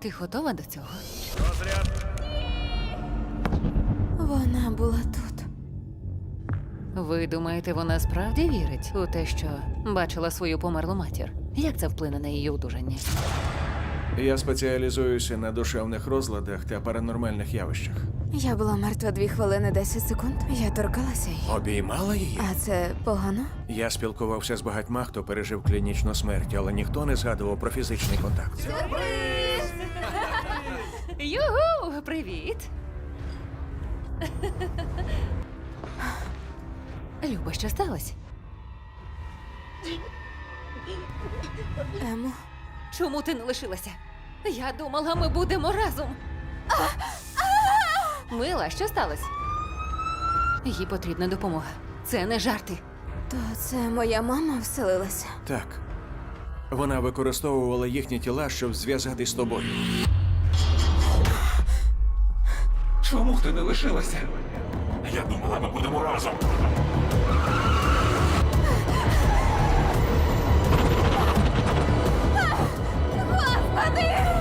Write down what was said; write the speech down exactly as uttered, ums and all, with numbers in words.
Ти готова до цього? Розряд. Вона була тут. Ви думаєте, вона справді вірить у те, що бачила свою померлу матір? Як це вплине на її одужання? Я спеціалізуюся на душевних розладах та паранормальних явищах. Я була мертва дві хвилини десять секунд. Я торкалася її. Обіймала її? А це погано? Я спілкувався з багатьма, хто пережив клінічну смерть, але ніхто не згадував про фізичний контакт. Югу! Привіт! Люба, що сталося? Емо, Чому ти не лишилася? Я думала, ми будемо разом. Мила, що сталося? Їй потрібна допомога. Це не жарти. то це моя мама вселилася. Так. Вона використовувала їхні тіла, щоб зв'язатись з тобою. Чому ти не лишилася? Я думала, ми будемо разом. Господи!